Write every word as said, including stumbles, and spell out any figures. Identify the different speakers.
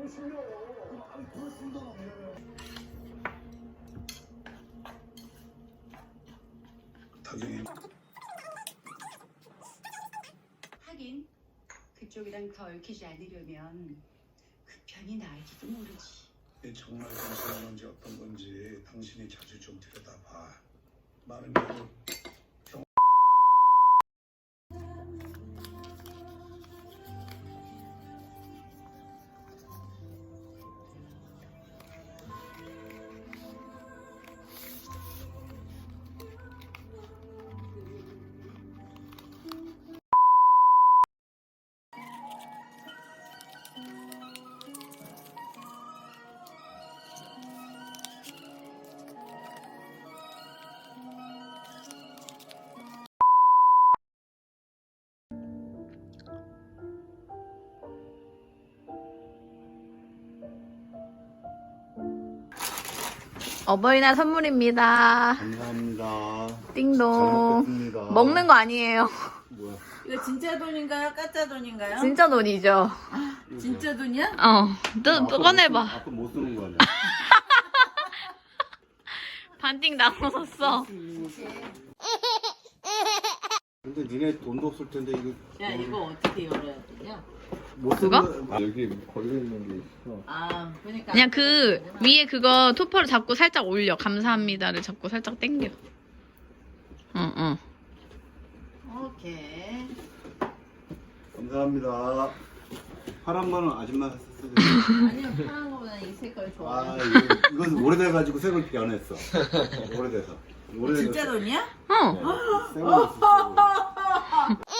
Speaker 1: 당연히.
Speaker 2: 하긴 그쪽이랑 더 얽히지 않으려면 그 편이 나을지도 모르지.
Speaker 1: 이게 정말 당신의 건지 어떤 건지 당신이 자주 좀 들여다봐. 많은 경우 경...
Speaker 3: 어버이날 선물입니다.
Speaker 1: 감사합니다.
Speaker 3: 띵동.
Speaker 1: 잘 먹겠습니다.
Speaker 3: 먹는 거 아니에요.
Speaker 1: 뭐야?
Speaker 4: 이거 진짜 돈인가요? 가짜 돈인가요?
Speaker 3: 진짜 돈이죠.
Speaker 4: 진짜 돈이야?
Speaker 3: 어. 또, 또 꺼내봐.
Speaker 1: 아까 못 쓰는 거 아니야?
Speaker 3: 반띵 나눠서.
Speaker 1: 근데 니네 돈도 없을 텐데 이거.
Speaker 4: 야 이거 어떻게 열어야 되냐?
Speaker 1: 못
Speaker 3: 그거?
Speaker 1: 쓰는- 아, 여기 걸려 있는 게 있어.
Speaker 4: 아 그러니까
Speaker 3: 그냥 그 위에 그거 토퍼를 잡고 살짝 올려. 감사합니다를 잡고 살짝 당겨. 응, 응.
Speaker 4: 오케이.
Speaker 1: 감사합니다. 파란 거는 아줌마가 썼어요.
Speaker 4: 아니요 파란 거보다 이 색깔 좋아.
Speaker 1: 아 이거 이건 오래돼가지고 색을 변했어. 오래돼서. 오래돼서
Speaker 4: 진짜 돈이야?
Speaker 3: 어.
Speaker 1: 네, 색을 썼어.